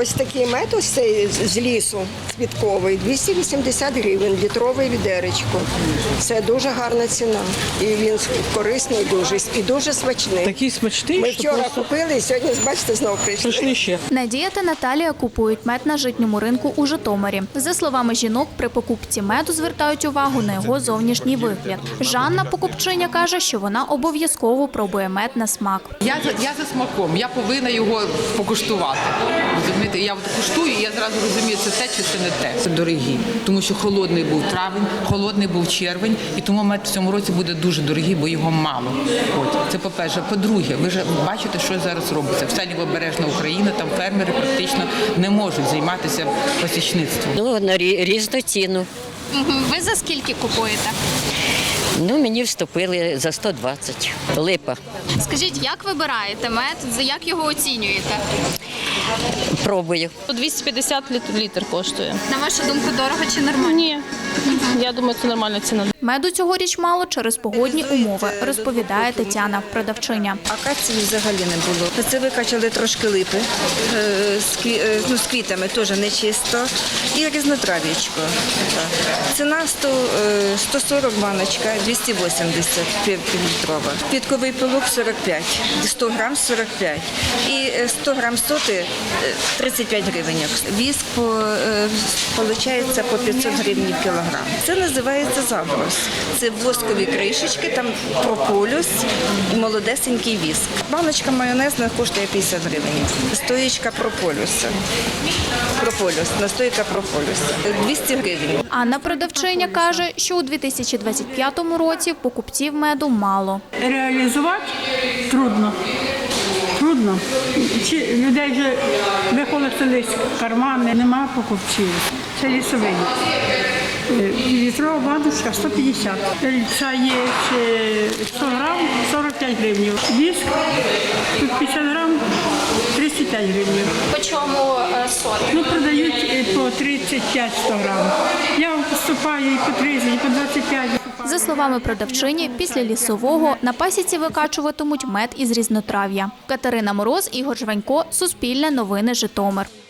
Ось такий мед, ось цей з лісу квітковий, 280 гривень, літрове відеречко. Це дуже гарна ціна. І він корисний дуже, і дуже смачний. Такий смачний, Ми що вчора просто купили, і сьогодні, бачите, знову прийшли. прийшли ще. Надія та Наталія купують мед на житньому ринку у Житомирі. За словами жінок, при покупці меду звертають увагу на його зовнішній вигляд. Жанна, покупчиня, каже, що вона обов'язково пробує мед на смак. Я за смаком, я повинна його покуштувати. Розумієте, я куштую, і я зразу розумію, це те чи це не те. Це дорогі, тому що холодний був травень, холодний був червень, і тому мед в цьому році буде дуже дорогий, бо його мало. Це по-перше. По-друге, ви ж бачите, що зараз робиться. Вся лівобережна Україна, там фермери практично не можуть займатися пасічництвом. На різну ціну. Ви за скільки купуєте? Мені вступили за 120. Липа. Скажіть, як вибираєте мед, як його оцінюєте? Пробую. 250 літр коштує. На вашу думку, дорого чи нормально? Ні, я думаю, це нормальна ціна. Меду цьогоріч мало через погодні умови, розповідає Тетяна, продавчиня. Акації взагалі не було. Це викачали трошки липи з квітами, теж нечисто. І різнотрав'ячко. Ціна 140 баночка, 280 півлітрова. Квітковий пилок 45, 100 грам 45. І 100 грам соти 35 гривень. Віск виходить по 500 гривень в кілограм. Це називається заброс. Це воскові кришечки, там прополіс і молодесенький віск. Баночка майонезна коштує 50 гривень. Стоїчка прополісу. Настойка прополісу. 200 гривень. Анна, продавчиня, каже, що у 2025 році покупців меду мало. Реалізувати трудно. Трудно. Людей вже вихолостились кармани, немає покупців. Це лісовий. Літрова баночка 150. Це є 100 грам 45 гривень. Віск тут 50 грам 35 гривень. По чому соти? Продають по 35-100 грам. Я поступаю і по 30, і по 25. За словами продавчині, після лісового на пасіці викачуватимуть мед із різнотрав'я. Катерина Мороз, Ігор Жванько, Суспільне новини, Житомир.